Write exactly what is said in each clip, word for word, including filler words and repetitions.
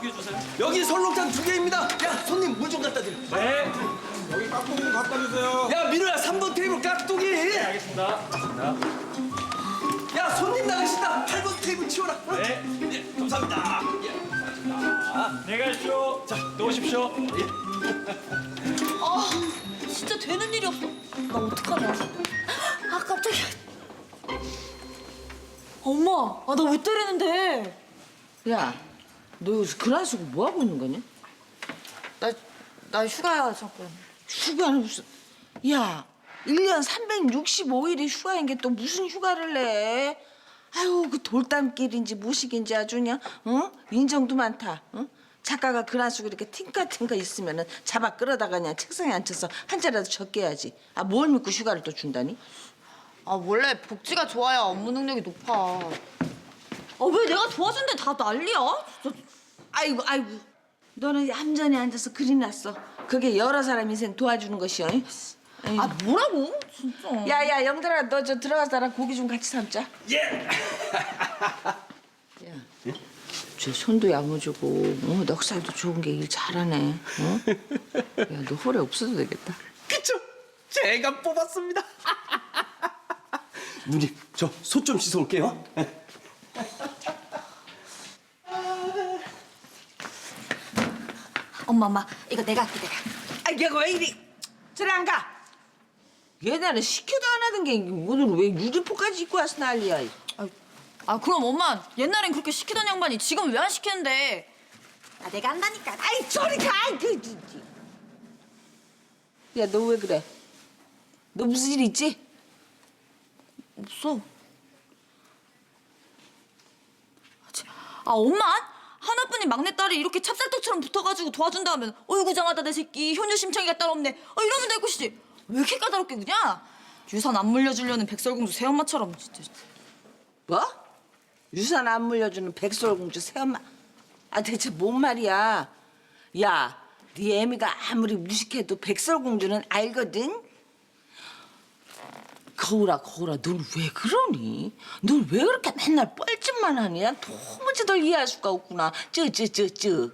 개 주세요. 여기 설렁탕 두 개입니다. 야, 손님 물 좀 갖다 드려. 네. 여기 깍두기 좀 갖다 주세요. 야, 민호야, 삼 번 테이블 깍두기. 네, 알겠습니다. 자, 야, 손님 나가신다. 팔 번 테이블 치워라. 어? 네. 예, 감사합니다. 예, 감사합니다. 안녕히 가십시오. 자, 놓으십시오. 아, 진짜 되는 일이 없어. 나 어떡하냐. 아, 깜짝이야. 엄마, 아, 나 왜 때리는데? 야, 너 여기서 그라스고 뭐 하고 있는 거냐? 나, 나 휴가야, 잠깐. 휴가는 무슨? 야, 일 년 삼백육십오 일이 휴가인 게 또 무슨 휴가를 내? 아유, 그 돌담길인지 무식인지 아주 그냥, 어? 인정도 많다, 어? 작가가 그라스고 이렇게 팅카팅카 있으면은 잡아 끌어다가 그냥 책상에 앉혀서 한 자리라도 적게 해야지. 아, 뭘 믿고 휴가를 또 준다니? 아, 원래 복지가 좋아야 업무 능력이 높아. 아, 왜 내가 도와준 데는 다 난리야? 진짜. 아이고, 아이고. 너는 얌전히 앉아서 그림 났어. 그게 여러 사람 인생 도와주는 것이여. 아이고. 아, 뭐라고? 진짜. 야야 영들아 너 저 들어가서 나랑 고기 좀 같이 삶자. 예. 야, 저 손도 야무지고 어, 넉살도 좋은 게 일 잘하네. 어? 야, 너 홀에 없어도 되겠다. 그쵸? 제가 뽑았습니다. 누님, 저 소 좀 씻어 올게요. 엄마, 엄마, 이거 내가 할게, 내가. 아, 얘가 왜 이리 저리 안 가? 얘네는 시켜도 안 하던 게 오늘 왜 유리포까지 입고 와서 난리야. 아, 아, 그럼 엄마, 옛날엔 그렇게 시키던 양반이 지금 왜 안 시키는데? 아, 내가 한다니까. 아이 저리 가. 그, 야, 너 왜 그래? 너 무슨 일 있지? 없어. 아, 엄마? 하나뿐인 막내딸이 이렇게 찹쌀떡처럼 붙어가지고 도와준다면 어이구장하다 내 새끼 효녀심창이가 따로 없네. 아, 이러면 될 것이지. 왜 이렇게 까다롭게 그냥? 유산 안 물려주려는 백설공주 새엄마처럼 진짜. 뭐? 유산 안 물려주는 백설공주 새엄마. 아, 대체 뭔 말이야? 야, 네 애미가 아무리 무식해도 백설공주는 알거든? 거울아, 거울아, 넌 왜 그러니? 넌 왜 그렇게 맨날 뻘짓만 하니? 난 도무지 널 이해할 수가 없구나. 쯔쯔쯔쯔.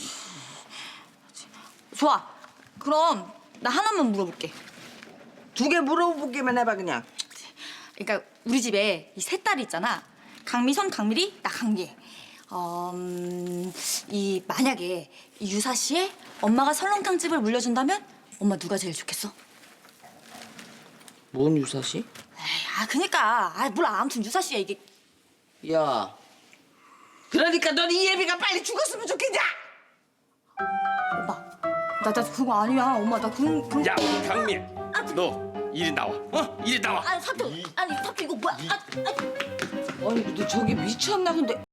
좋아. 그럼 나 하나만 물어볼게. 두 개 물어보기만 해봐, 그냥. 그러니까 우리 집에 이 세 딸이 있잖아. 강미선, 강미리, 나 강미애. 어, 음, 이 만약에 이 유사 씨의 엄마가 설렁탕 집을 물려준다면 엄마 누가 제일 좋겠어? 뭔 유사시? 에이, 아 그니까 아 몰라 아무튼 유사 씨야 이게. 야, 그러니까 넌 이 애비가 빨리 죽었으면 좋겠냐? 엄마 나 나 그거 아니야 엄마 나 그런 그런. 야, 강미, 너 이리 나와. 어? 이리 나와. 아니 사표 아니 사표 이거 뭐야? 아, 아. 아니, 너 저기 미쳤나 근데.